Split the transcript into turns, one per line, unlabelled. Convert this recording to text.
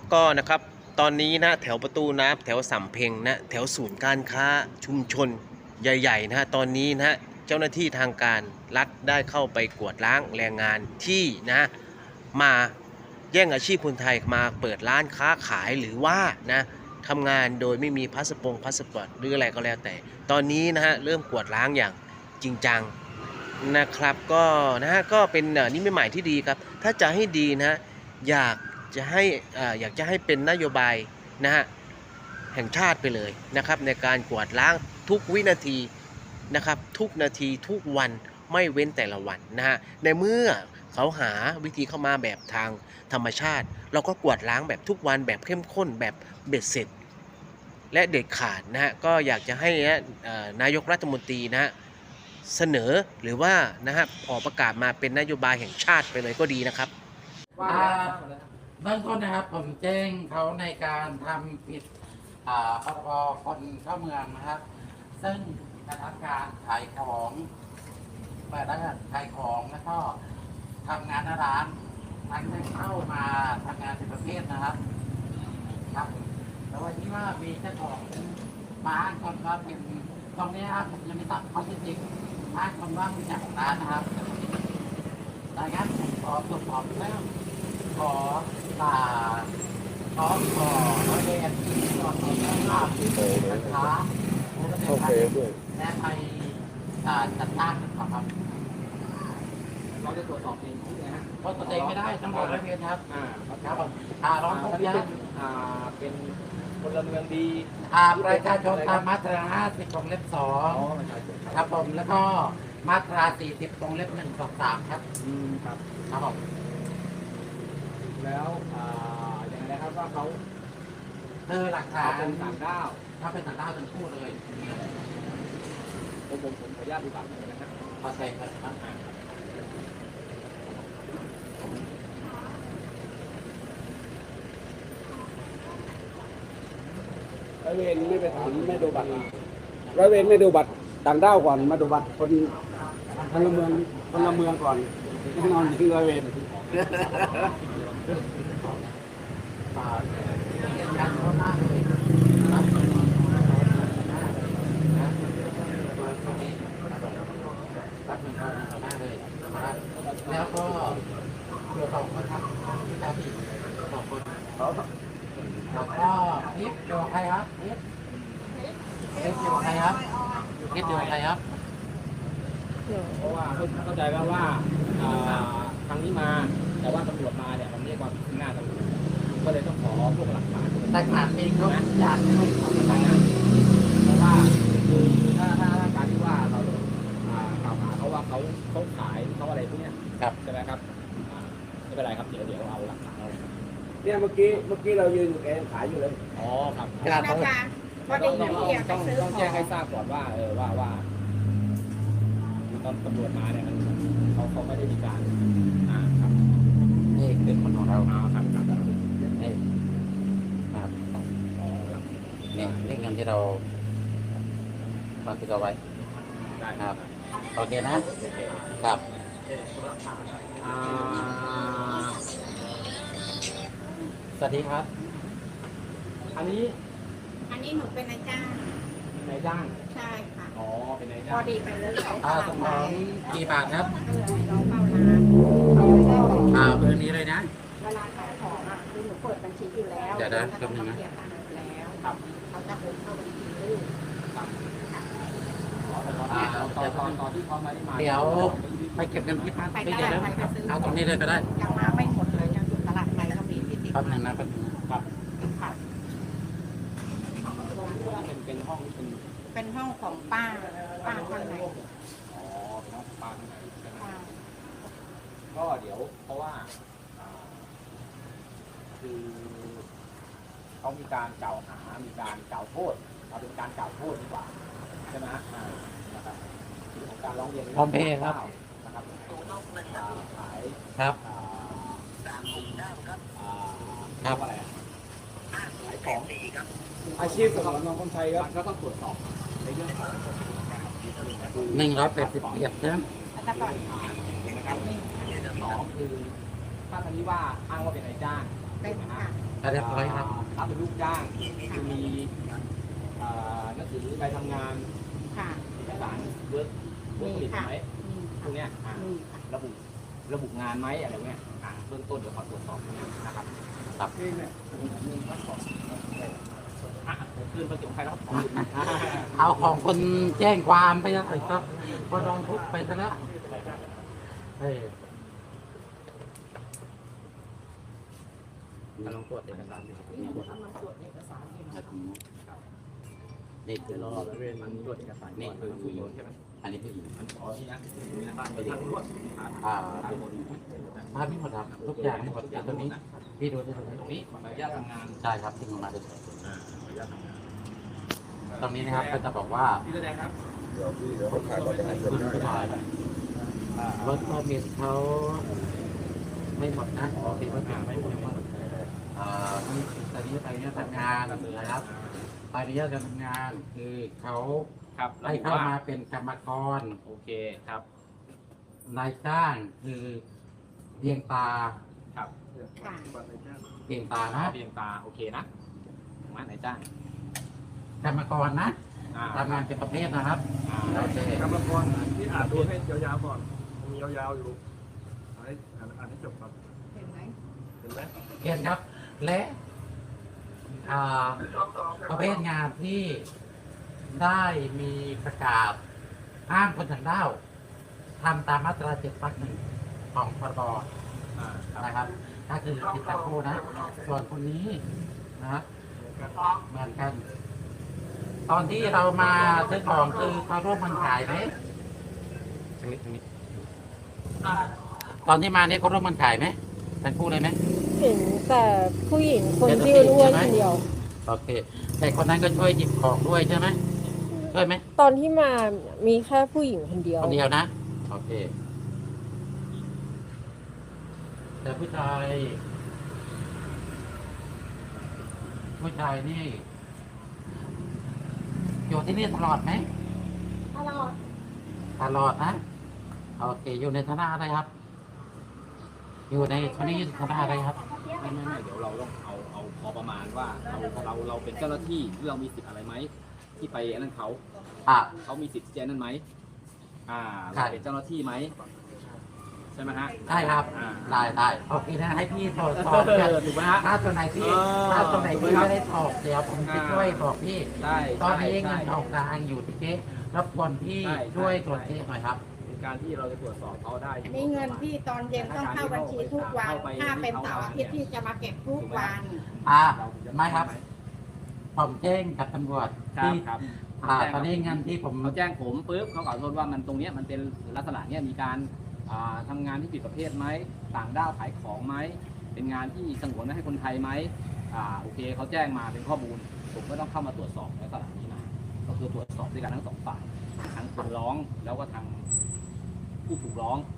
ก็นะครับตอนนี้นะแถวประตูน้ำแถวสำเพ็งนะแถวศูนย์การค้าชุมชนใหญ่ๆนะตอนนี้นะเจ้าหน้าที่ทางการรัฐได้เข้าไปกวดล้างแรงงานที่นะมาแย่งอาชีพคนไทยมาเปิดร้านค้าขายหรือว่านะทำงานโดยไม่มีพาสปอร์ตหรืออะไรก็แล้วแต่ตอนนี้นะฮะเริ่มกวดล้างอย่างจริงจังนะครับก็นะฮะก็เป็นนิมิตหมายที่ดีครับถ้าจะให้ดีนะอยากจะให้เป็นนโยบายนะฮะแห่งชาติไปเลยนะครับในการกวาดล้างทุกวินาทีนะครับทุกนาทีทุกวันไม่เว้นแต่ละวันนะฮะในเมื่อเขาหาวิธีเข้ามาแบบทางธรรมชาติเราก็กวาดล้างแบบทุกวันแบบเข้มข้นแบบเบ็ดเสร็จและเด็ดขาดนะฮะก็อยากจะให้นายกรัฐมนตรีนะฮะเสนอหรือว่านะฮะออกประกาศมาเป็นนโยบายแห่งชาติไปเลยก็ดีนะครับ
เบื้องต้นนะครับผมแจ้งเขาในการทำผิดพรบคนเข้าเมืองนะครับ ซึ่งกระทำการขายของเปิดร้านขายของแล้วก็ทำงานหน้าร้านทั้งได้เข้ามาทำงานเป็นประเภทนะครับครับแล้ววันนี้ว่ามีเจ้าของบ้านคนว่าเป็นตรงนี้ครับผมยังไม่ตัดข้อเท็จจริงบ้านคนว่าเป็นเจ้าของร้านนะครับดังนั้นผมขอตรวจสอบเรื่องขอร้อยเวรขอเรื่องภาพที่เป็นค้าโอเคด้วยและไปจัดตั้งครับ
เราจะตรวจสอบเองนะฮะ
เพราะตัวเองไม่ได้ต้องขอร้อยเวรครับครับร้องทุกข์
เป็นพลเมืองดี
ประชาชนตามมาตรา50วงเล็บ2ครับผมแล้วก็มาตรา40วงเล็บ1 2 3ครับ
ครับ
ครับผม
แล้วอย่างไรครับว่าเขา
หลักฐาน
เป็นต่างด้าว
ถ้าเป็นต่างด้าวทั้งคู่เลย
ผมขออนุญาตดูบัตรนะครับ
พอใจครับ
ร้อยเวรไม่ไปถามไม่ดูบัตรร้อยเวรไม่ดูบัตรต่างด้าวก่อนมาดูบัตรคนพลเมืองก่อนแน่นอนคือร้อยเวร
แล้วก็เกี่ยวกับคนครับที่ตาผิด2 คนแล้วก็นิดเดียวใครครับนิดเดียวใครครับนิดเดียวใครครับ
เพราะว่าเข้าใจว่าทางนี้มาแต่ว่าตำรวจมาเนี่ยมันเรียกว่าขึ้นหน้าตำรวจก็เลยต้องขอพวกหลักฐาน
เองเขาอยากให้ทำอะไรนะ
เพราะว่าคือถ้าการที่ว่าเรากล่าวหาเขาว่าเขาขายเขาอะไรพวกนี้ใช่ไหมครับไม่เป็นไรครับเดี๋ยวเอาหลักฐานเอา
เนี่ยเมื่อกี้เรายืนอยู่แกขายอยู่เลย
อ๋อครับ
ต้อง
แจ้งให้ทราบก่อนว่าว่าตอนตำรวจมาเนี่ยเขาไม่ได้มีการครับ
นี่เป็นคนของเรา
ครับ
นี่ครับนี่เงินที่เราบันทึกเอาไว้ครับโอเคนะครับสวัสดีครับ
อันนี้
หนูเป็นนายจ้างใช่ค่ะ
อ๋อเป็นนาย
พ
จ้าง
อดีไปเลย
สมองกี่บาทครับ
น้องเป้าร้าน
เบอร์นี้เลยนะ
เวลาขายของคือหนูเปิดบัญชีอยู่แล้ว
เดี๋ยวนะ
ต้องเสียตังค์อยู่แล้วเขาจะโอนเข้าบัญชีลูก
ตอนที่เขาไม่ได้มา
เดี๋ยวไปเก็บเงินที่บ้านไปเดี๋ยวเอาตรงนี้เลยก็ได้
ยังมาไม่หมดเลยยังอยู่ตลาดไทยก็มีที่ติด
ครับนึงนะค
รับเป็นห้อง
เป็นห้องของป้าข้างใน
อ๋อเป็นห้องป้าข้างในใช่ไหมก็เดี๋ยวเพราะว่าคือเขามีการกล่าวหามีการกล่าวโทษเอาเป็นการกล่าวโทษดีกว่าใช่ไหมนะครับของการร้องเรียน
พร้อมเพย์ครับ
นะครับขาย
ครับ
อะไรขายของ
อาชีพของน้องคนไทยครับ
ก็ต้องตรวจสอบในเรื่องของ
180นะ
ถ้าก่อน
นะครับ2คือถ้าทางนี้ว่าอ้างว่าเป็นนายจ้าง
เป็นค่ะ
เรียบร้อยครับ
รับเป็นลูกจ้างคือมีหนังสือใบทำงาน
ค่ะ
เอกสารเวิร์กผลิตไหม
มี
พวกเนี้ย
มีค่ะ
ระบุงานไหมอะไรเงี้ยเบื้องต้นเดี๋ยวขอตรวจสอบนะครับครับคืนประจบใครแล้ว
เอาของคนแจ้งความไปแล้วครับพอลองทุบไปซะแล้วเฮ้ย
ลองตรวจเอกสารนี่คือรอแล้วเว้นมันตรวจเอกสารนี่คือผู้หญิงใช่ไหม
อันนี้ผู้หญิง
มันขอที่นะมีหน้าบ้านไปดิ
ภาพนี้หมดครับทุกอย่างให้หมดอย่างตรงนี้พี่ดูที่ตรงนี้
ตรงนี้ขออนุญาตทำงาน
ใช่ครับที่มาดู
ขออนุญาตทำงาน
ตรงนี้นะครับก็จะบอกว่า
พี่แสดงครับ
รถเขามีเขาไม่หมดนะโอเคว่าไม่หมดนี่ตอนนี้ไปเนี่ยทำงานนะครับไปเนี่ยการทำงานคือเขา
ครับ
ให้เข้ามาเป็นกรรมกร
โอเคครับ
นายจ้างคือเรียงตา
ครับ
ค่ะ
เรียงตานะ
เพียงตาโอเคนะมาไหนจ้าง
กรรมกรนะทำงานเป็นประเภทนะครับโอเค
กรรมกรที่อ่านดูให้ยาวๆก่อนมันมียาวๆอยู่อ่านให้จบครับ
เห็นไหม
เห็นไหม
เรียนครับ และประเภทงานที่ได้มีประกาศห้ามคนต่างด้าวทำตามมาตรา7 วรรค 1ของพรบนะครับก็คือผิดตามคู่นะ ส่วนคนนี้นะครับเหมือนกัน ตอนที่เรามาซื้อของคือเขาร่วมกันขายไหมตอนที่มาเนี่ยเขาร่วมกันขายไหมทั้งคู่เลยไหม
เห็นแต่ผู้หญิงคนที่อ้วนๆคนเดียว
โอเค แต่คนนั้นก็ช่วยหยิบของด้วยใช่ไหมช่วยไหม
ตอนที่มามีแค่ผู้หญิงคนเดียว
คนเดียวนะ โอเค แต่ผู้ชายนี่อยู่ที่นี่ตลอดไหม
ตลอด
ตลอดนะ โอเค อยู่ในฐานะอะไรครับ อยู่ในคนนี้อยู่ในฐานะอะไรครับ
ไม่เดี๋ยวเราต้องเอาพอประมาณว่าเราเป็นเจ้าหน้าที่เรามีสิทธิ์อะไรไหมที่ไปนั่นเขา
อ่ะ
เขามีสิทธิ์แจ้งนั่นไหม
ใช่
เราเป็นเจ้าหน้าที่ไหมใช่ไหมฮะ
ได้ครับ ได้โอเคนะให้พี่ตรวจสอบกัน
ถูกไหมฮะ
ถ้าตัวไหนที่ ถ้าตัวไหนที่ไม่ได้ตอบเดี๋ยวผมจะช่วยบอกพี่
ได้
ตอนนี้เงิ
ใช่
นออกกลางอยู่ที่เจ๊รบกวนพี่
ใช่
ช่วยตรวจเช็คหน่อยครับ
เป็นการที่เราจะตรวจสอบเขาได้
นี่เงินพี่ตอนเย็นต้องเข้าบัญชีทุกวัน ถ้าเป็นเสาร์อาทิตย์พี่จะมาเก็บทุกวัน
ไม่ครับ ผมแจ้งกับตำรวจ
ครับ
ที่
ครับ
ตอนนี้เงินที่ผม
เขาแจ้งผมปุ๊บเขาขอโทษว่ามันตรงเนี้ยมันเป็นลักษณะเนี้ยมีการทำงานที่ผิดประเภทไหมต่างด้าวขายของไหมเป็นงานที่สงวนไว้ให้คนไทยไหมโอเคเขาแจ้งมาเป็นข้อมูลผมก็ต้องเข้ามาตรวจสอบในลักษณะนี้นะก็คือตรวจสอบด้วยกันทั้งสองฝ่ายทั้งคนร้องแล้วก็ทางผู้ถูกร้อง